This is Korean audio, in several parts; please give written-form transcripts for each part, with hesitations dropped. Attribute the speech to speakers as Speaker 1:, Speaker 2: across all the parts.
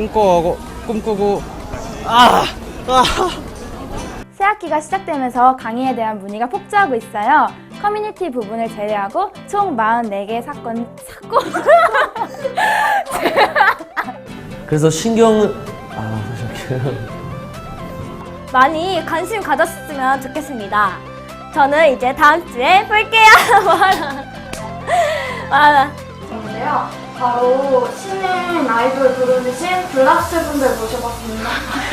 Speaker 1: 꿈꾸고
Speaker 2: 새학기가 시작되면서 강의에 대한 문의가 폭주하고 있어요. 커뮤니티 부분을 제외하고 총 44개의 사건
Speaker 3: 그래서 신경을 잠시만요.
Speaker 4: 많이 관심 가졌으면 좋겠습니다. 저는 이제 다음 주에 볼게요.
Speaker 2: 인데요. 바로 신인 아이돌 부르신 블락스 분들 모셔봤습니다.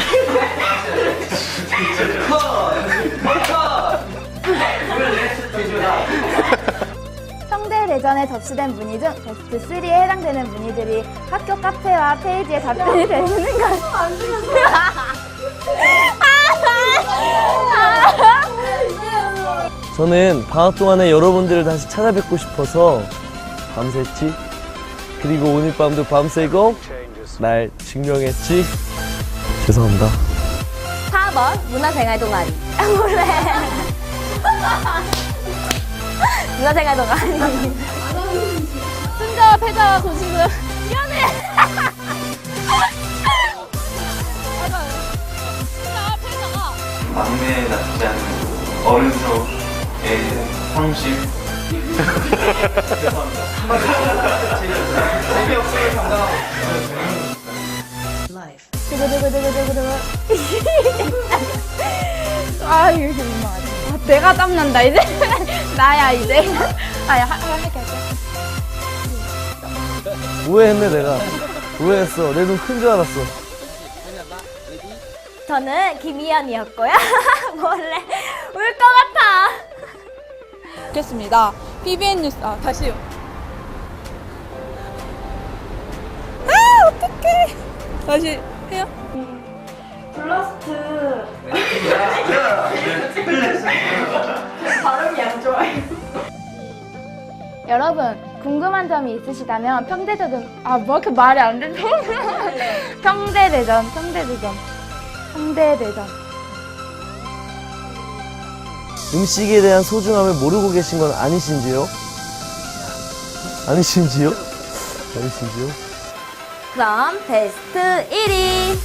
Speaker 2: 평대 대전에 접수된 문의 중 베스트 3에 해당되는 문의들이 학교 카페와 페이지에 답변이 되는 것.
Speaker 3: 저는 방학 동안에 여러분들을 다시 찾아뵙고 싶어서 밤샜지. 그리고 오늘 밤도 밤새고 날 증명했지. 죄송합니다.
Speaker 4: 4번 문화생활 동아리. 원래 문화생활 동아리. 승자와 패자와 고심을 미안해. 맞아요. 승자와 패자가
Speaker 5: 막내 낫지 않은 어른스러의 상심. 죄송합니다. 재미없음을 담당하고
Speaker 2: 아 이거 민망하지. 내가 땀난다 이제. 나야 이제. 할게.
Speaker 3: 오해했네 내가. 오해했어. 내 눈 큰 줄 알았어.
Speaker 4: 저는 김희연이었고요. 원래 울 것 같아.
Speaker 6: 좋겠습니다. PBN 뉴스 다시요. 어떡해. 다시 해요.
Speaker 2: 블라스트. 발음이 안 좋아요. 여러분 궁금한 점이 있으시다면 평대대전 뭐 이렇게 말이 안 되죠? 평대대전.
Speaker 3: 음식에 대한 소중함을 모르고 계신 건 아니신지요? 아니신지요?
Speaker 4: 그럼 베스트 1위.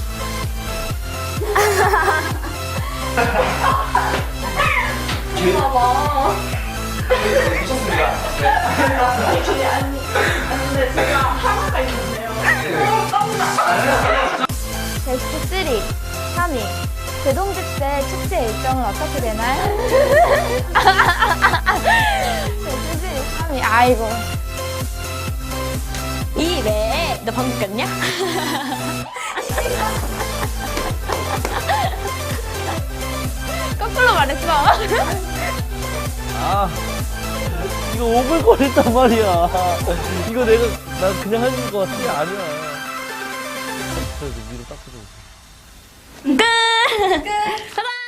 Speaker 2: 베스트 3, 3위. 대동집세 축제 일정은 어떻게 되나요? 베스트 3위. 아이고.
Speaker 4: 이 외에 너 방금 꼈냐?
Speaker 2: 거꾸로 말했어.
Speaker 3: 이거 오글거렸단 말이야. 이거 나 그냥 하는 거 같은 게 아니야. 그래도 위로 닦아줘.
Speaker 4: 끝!